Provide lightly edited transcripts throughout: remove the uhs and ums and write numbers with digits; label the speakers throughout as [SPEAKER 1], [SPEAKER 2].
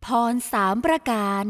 [SPEAKER 1] พร3 ประการ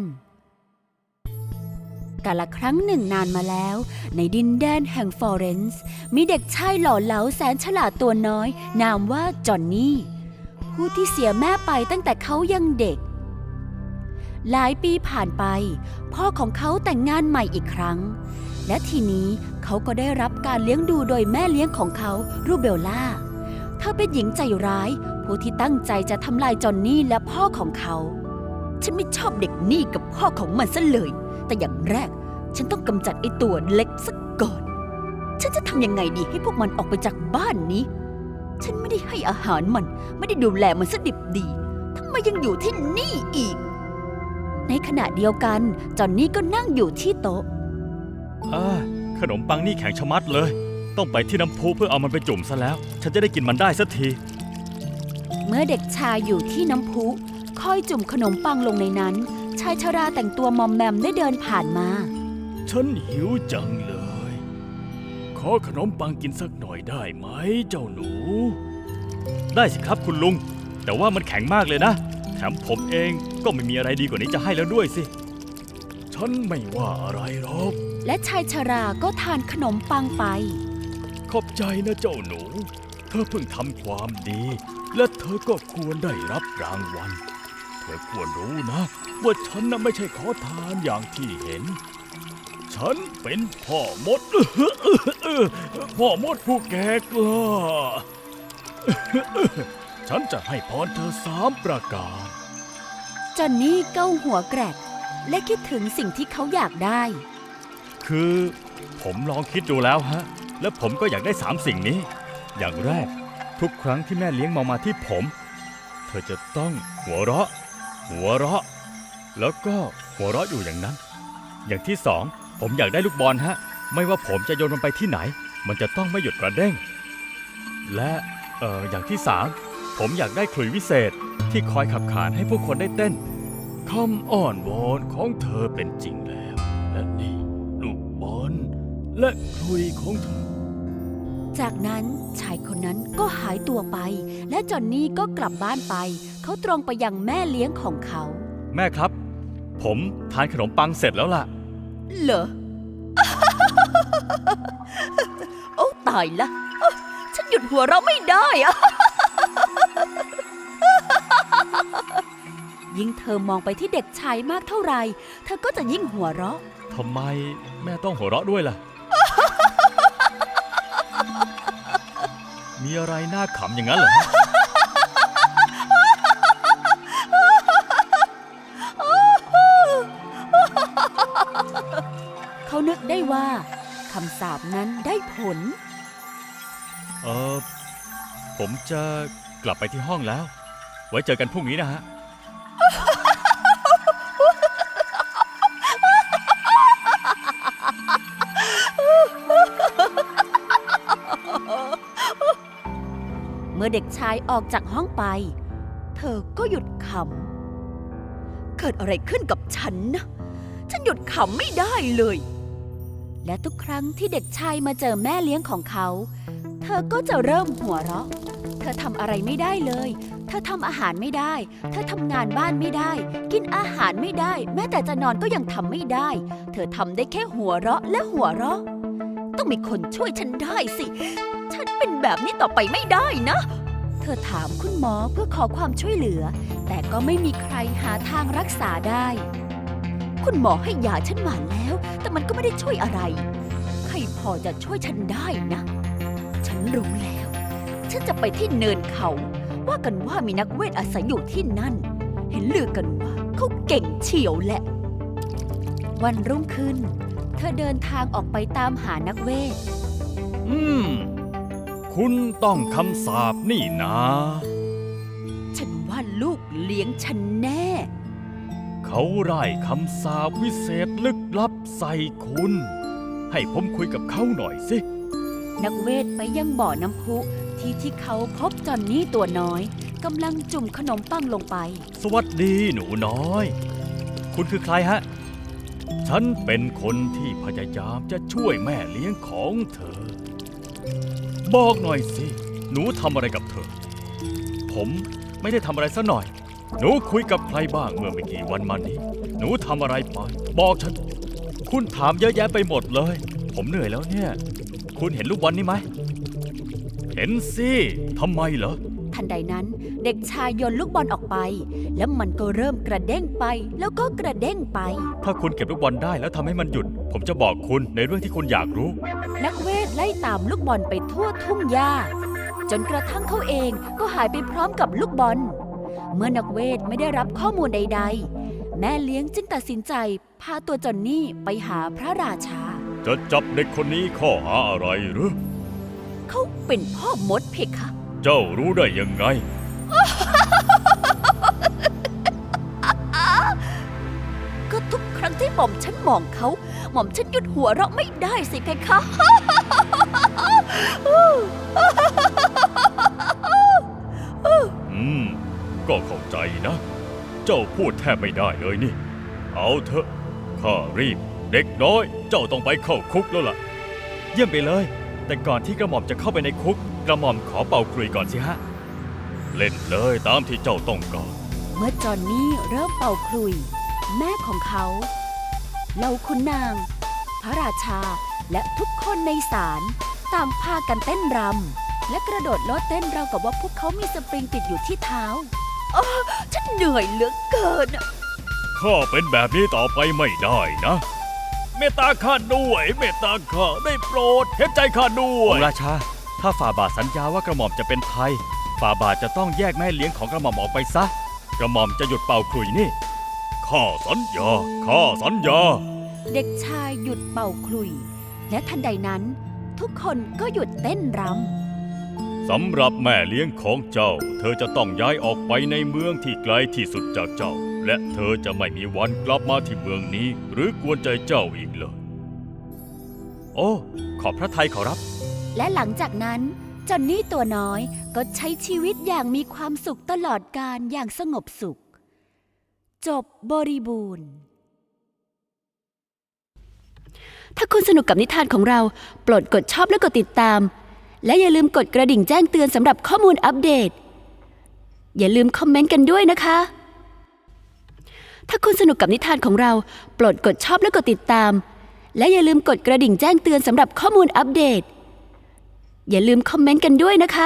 [SPEAKER 1] กาลครั้งหนึ่งนานมาแล้วในดินแดนแห่งฟลอเรนซ์มีเด็กชายหล่อเหลาแสนฉลาดตัวน้อยนามว่าจอนนี่ผู้ที่เสียแม่ไปตั้งแต่เขายังเด็กหลายปีผ่านไปพ่อของเขาแต่งงานใหม่อีกครั้งและทีนี้เขาก็ได้รับการเลี้ยงดูโดยแม่เลี้ยงของเขารูเบลล่าเธอเป็นหญิงใจร้ายผู้ที่ตั้งใจจะทำลายจอนนี่และพ่อของเขาฉันไม่ชอบเด็กนี่กับพ่อของมันซะเลยแต่อย่างแรกฉันต้องกำจัดไอ้ตัวเล็กซะก่อนฉันจะทำยังไงดีให้พวกมันออกไปจากบ้านนี้ฉันไม่ได้ให้อาหารมันไม่ได้ดูแลมันซะดิบดีทำไมยังอยู่ที่นี่อีกในขณะเดียวกันจอนนี่ก็นั่งอยู่ที่โต๊ะ
[SPEAKER 2] ขนมปังนี่แข็งชะมัดเลยต้องไปที่น้ำพุเพื่อเอามันไปจุ่มซะแล้วฉันจะได้กินมันได้สักที
[SPEAKER 1] เมื่อเด็กชายอยู่ที่น้ำพุคอยจุ่มขนมปังลงในนั้นชายชราแต่งตัวมอมแมมได้เดินผ่านมา
[SPEAKER 2] ฉันหิวจังเลยขอขนมปังกินสักหน่อยได้ไหมเจ้าหนูได้สิครับคุณลุงแต่ว่ามันแข็งมากเลยนะแถมผมเองก็ไม่มีอะไรดีกว่านี้จะให้แล้วด้วยสิฉันไม่ว่าอะไรหรอก
[SPEAKER 1] และชายชราก็ทานขนมปังไป
[SPEAKER 2] ขอบใจนะเจ้าหนูเธอเพิ่งทำความดีและเธอก็ควรได้รับรางวัลเธอควรรู้นะว่าฉันน่ะไม่ใช่ขอทานอย่างที่เห็นฉันเป็นพ่อมดพ่อมดผู้แก่กล้าฉันจะให้พรเธอ3 ประการ
[SPEAKER 1] จอนนี่เก้าหัวแกรกและคิดถึงสิ่งที่เขาอยากได้
[SPEAKER 2] คือผมลองคิดดูแล้วฮะและผมก็อยากได้3 สิ่งนี้อย่างแรกทุกครั้งที่แม่เลี้ยงมองมาที่ผมเธอจะต้องหัวเราะแล้วก็หัวเราะอยู่อย่างนั้นอย่างที่2ผมอยากได้ลูกบอลฮะไม่ว่าผมจะโยนมันไปที่ไหนมันจะต้องไม่หยุดกระเด้งและอย่างที่3ผมอยากได้ขลุ่ยวิเศษที่คอยขับขานให้ผู้คนได้เต้นคำอ้อนวอนของเธอเป็นจริงแล้วและนี่ลูกบอลและขลุ่ยของเธอ
[SPEAKER 1] จากนั้นชายคนนั้นก็หายตัวไปและจอนนี่ก็กลับบ้านไปเขาตรงไปยังแม่เลี้ยงของเขา
[SPEAKER 2] แม่ครับผมทานขนมปังเสร็จแล้วล่ะ
[SPEAKER 1] เหรอ โอ้ตายละฉันหยุดหัวเราะไม่ได้อะ ยิ่งเธอมองไปที่เด็กชายมากเท่าไหร่เธอก็จะยิ่งหัวเราะ
[SPEAKER 2] ทำไมแม่ต้องหัวเราะด้วยล่ะ มีอะไรน่าขำอย่างนั้นเหรอ
[SPEAKER 1] เขานึกได้ว่าคำสาปนั้นได้ผล
[SPEAKER 2] ผมจะกลับไปที่ห้องแล้วไว้เจอกันพรุ่งนี้นะฮะ
[SPEAKER 1] เมื่อเด็กชายออกจากห้องไปเธอก็หยุดขำเกิดอะไรขึ้นกับฉันนะฉันหยุดขำไม่ได้เลยและทุกครั้งที่เด็กชายมาเจอแม่เลี้ยงของเขาเธอก็จะเริ่มหัวเราะเธอทำอะไรไม่ได้เลยเธอทำอาหารไม่ได้เธอทำงานบ้านไม่ได้กินอาหารไม่ได้แม้แต่จะนอนก็ยังทำไม่ได้เธอทำได้แค่หัวเราะและหัวเราะต้องมีคนช่วยฉันได้สิฉันเป็นแบบนี้ต่อไปไม่ได้นะเธอถามคุณหมอเพื่อขอความช่วยเหลือแต่ก็ไม่มีใครหาทางรักษาได้คุณหมอให้ยาฉันมาแล้วแต่มันก็ไม่ได้ช่วยอะไรใครพอจะช่วยฉันได้นะฉันรู้แล้วฉันจะไปที่เนินเขาว่ากันว่ามีนักเวทอาศัยอยู่ที่นั่นเห็นลือกันว่าเขาเก่งเฉียวแหละวันรุ่งขึ้นเธอเดินทางออกไปตามหานักเวท
[SPEAKER 2] คุณต้องคำสาปนี่นะ
[SPEAKER 1] ฉันว่าลูกเลี้ยงฉันแน่
[SPEAKER 2] เขาไร้คำสาปวิเศษลึกลับใส่คุณให้ผมคุยกับเขาหน่อยสิ
[SPEAKER 1] นักเวทไปยังบ่อน้ำพุที่เขาพบจอนนี่ตัวน้อยกำลังจุ่มขนมปังลงไป
[SPEAKER 2] สวัสดีหนูน้อยคุณคือใครฮะฉันเป็นคนที่พยายามจะช่วยแม่เลี้ยงของเธอบอกหน่อยสิหนูทำอะไรกับเธอผมไม่ได้ทำอะไรซะหน่อยหนูคุยกับใครบ้างเมื่อไม่กี่วันมานี้ หนูทำอะไรไปบอกฉัน คุณถามเยอะแยะไปหมดเลย ผมเหนื่อยแล้วเนี่ย คุณเห็นลูกบอลนี่ไหม เห็นสิทำไมเหรอ
[SPEAKER 1] ทันใดนั้นเด็กชายโยนลูกบอลออกไป แล้วมันก็เริ่มกระเด้งไป แล้วก็กระเด้งไป
[SPEAKER 2] ถ้าคุณเก็บลูกบอลได้แล้วทำให้มันหยุด ผมจะบอกคุณในเรื่องที่คุณอยากรู้
[SPEAKER 1] นักเวทไล่ตามลูกบอลไปทั่วทุ่งหญ้าจนกระทั่งเขาเองก็หายไปพร้อมกับลูกบอล เมื่อนักเวทไม่ได้รับข้อมูลใดๆ แม่เลี้ยงจึงตัดสินใจพาตัวจอนนี่ไปหาพระราชา
[SPEAKER 2] จะจับเด็กคนนี้ข้อหาอะไรหรือ
[SPEAKER 1] เขาเป็นพ่อมดเพคะ
[SPEAKER 2] เจ้ารู้ได้ยังไง
[SPEAKER 1] ก็ทุกครั้งที่หม่อมฉันมองเขา หม่อมฉันหยุดหัวเราะไม่ได้สิเพคะ
[SPEAKER 2] ก็เข้าใจนะ เจ้าพูดแทบไม่ได้เลยนี่ เอาเถอะ ข้ารีบ เด็กน้อย เจ้าต้องไปเข้าคุกแล้วล่ะ เยี่ยมไปเลย แต่ก่อนที่กระหม่อมจะเข้าไปในคุก กระหม่อมขอเป่าขลุ่ยก่อนสิฮะ เล่นเลยตามที่เจ้าต้องการ
[SPEAKER 1] เมื่อจอนนี่เริ่มเป่าขลุ่ยแม่ของเขาเหล่าขุนนาง พระราชาและทุกคนในศาลต่างพากันเต้นรำและกระโดดโลดเต้นราวกับว่าพวกเขามีสปริงติดอยู่ที่เท้าฉันเหนื่อยเหลือเกิน
[SPEAKER 2] ข้าเป็นแบบนี้ต่อไปไม่ได้นะ เมตตาข้าด้วย เมตตาข้าได้โปรดเห็นใจข้าด้วยองค์ราชา ถ้าฝ่าบาทสัญญาว่ากระหม่อมจะเป็นไทย ฝ่าบาทจะต้องแยกแม่เลี้ยงของกระหม่อมออกไปซะ กระหม่อมจะหยุดเป่าขลุ่ยนี่ ข้าสัญญา ข้าสัญญา
[SPEAKER 1] เด็กชายหยุดเป่าขลุ่ยและทันใดนั้น ทุกคนก็หยุดเต้นรำ
[SPEAKER 2] สำหรับแม่เลี้ยงของเจ้า เธอจะต้องย้ายออกไปในเมืองที่ไกลที่สุดจากเจ้า และเธอจะไม่มีวันกลับมาที่เมืองนี้ หรือกวนใจเจ้าอีกเลย โอ้ ขอบพระทัยขอรับ
[SPEAKER 1] และหลังจากนั้นจอนนี่ตัวน้อยก็ใช้ชีวิตอย่างมีความสุขตลอดกาลอย่างสงบสุข จบบริบูรณ์ ถ้าคุณสนุกกับนิทานของเราโปรดกดชอบและกดติดตาม และอย่าลืมกดกระดิ่งแจ้งเตือนสำหรับข้อมูลอัปเดต อย่าลืมคอมเมนต์กันด้วยนะคะ ถ้าคุณสนุกกับนิทานของเราโปรดกดชอบและกดติดตาม และอย่าลืมกดกระดิ่งแจ้งเตือนสำหรับข้อมูลอัปเดต อย่าลืมคอมเมนต์กันด้วยนะคะ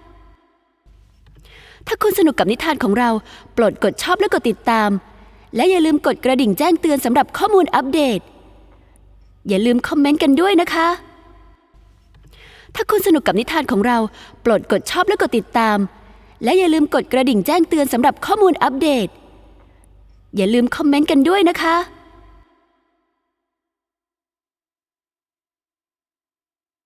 [SPEAKER 1] ถ้าคุณสนุกกับนิทานของเราโปรดกดชอบและกดติดตาม และอย่าลืมกดกระดิ่งแจ้งเตือนสำหรับข้อมูลอัปเดต อย่าลืมคอมเมนต์กันด้วยนะคะ ถ้าคุณสนุกกับนิทานของเราโปรดกดชอบและกดติดตาม และอย่าลืมกดกระดิ่งแจ้งเตือนสำหรับข้อมูลอัปเดต อย่าลืมคอมเมนต์กันด้วยนะคะ